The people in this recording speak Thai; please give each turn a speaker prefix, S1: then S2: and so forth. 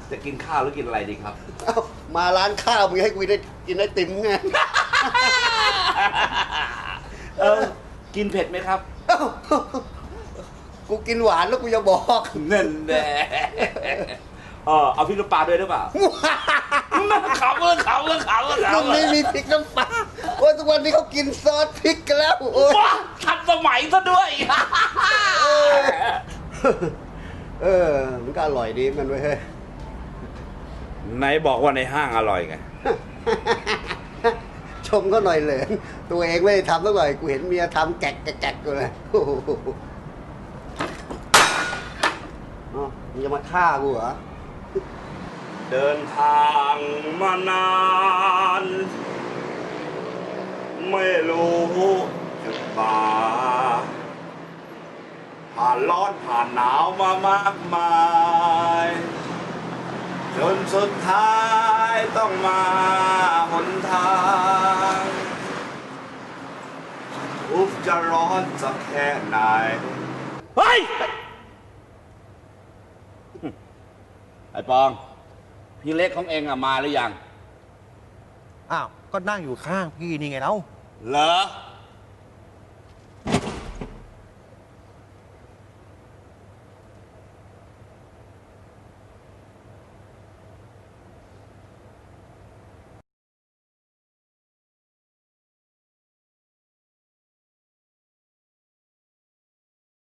S1: จะกินข้าวหรือกินอะไรดีครับ
S2: เอ้ามาร้านข้าวมึงให้กูได้กินไอติมไง
S1: กินเผ็ดไหมครับ
S2: เอ้ากูกินหวานแล้วกูจะบอก
S1: นั่นแหละเอาพริกน้ำปลาด้วยหรือเปล่าขำเลยขำเลยขำเลย
S2: มึงไม่มีพริกน้ำปลาโอ้ยทุกวันนี้เขากินซอสพริกกันแล้วโอ้ย
S1: ว้าทันสมัยซะด้วย
S2: มันก็อร่อยดีมันเว้ยเฮ้ย
S1: ไหนบอกว่าในห้างอร่อยไง
S2: ชมเขาหน่อยเลยตัวเองไม่ได้ทำสักหน่อยกูเห็นเมียทำแกะแกะกูเลยโอ้โหอ๋อมึงจะมาฆ่ากูเหรอ
S1: เดินทางมานาน ไม่รู้จุดหมายผ่านร้อนผ่านหนาวมามากมายจนสุดท้ายต้องมาหนทางทุกข์จะร้อนสักแค่ไหนเฮ้ย ไอ้ปอง พี่เล็กของเองอะมาหรือยัง
S3: อ้าว ก็นั่งอยู่ข้างพี่นี่ไงเล่า
S1: เหรอ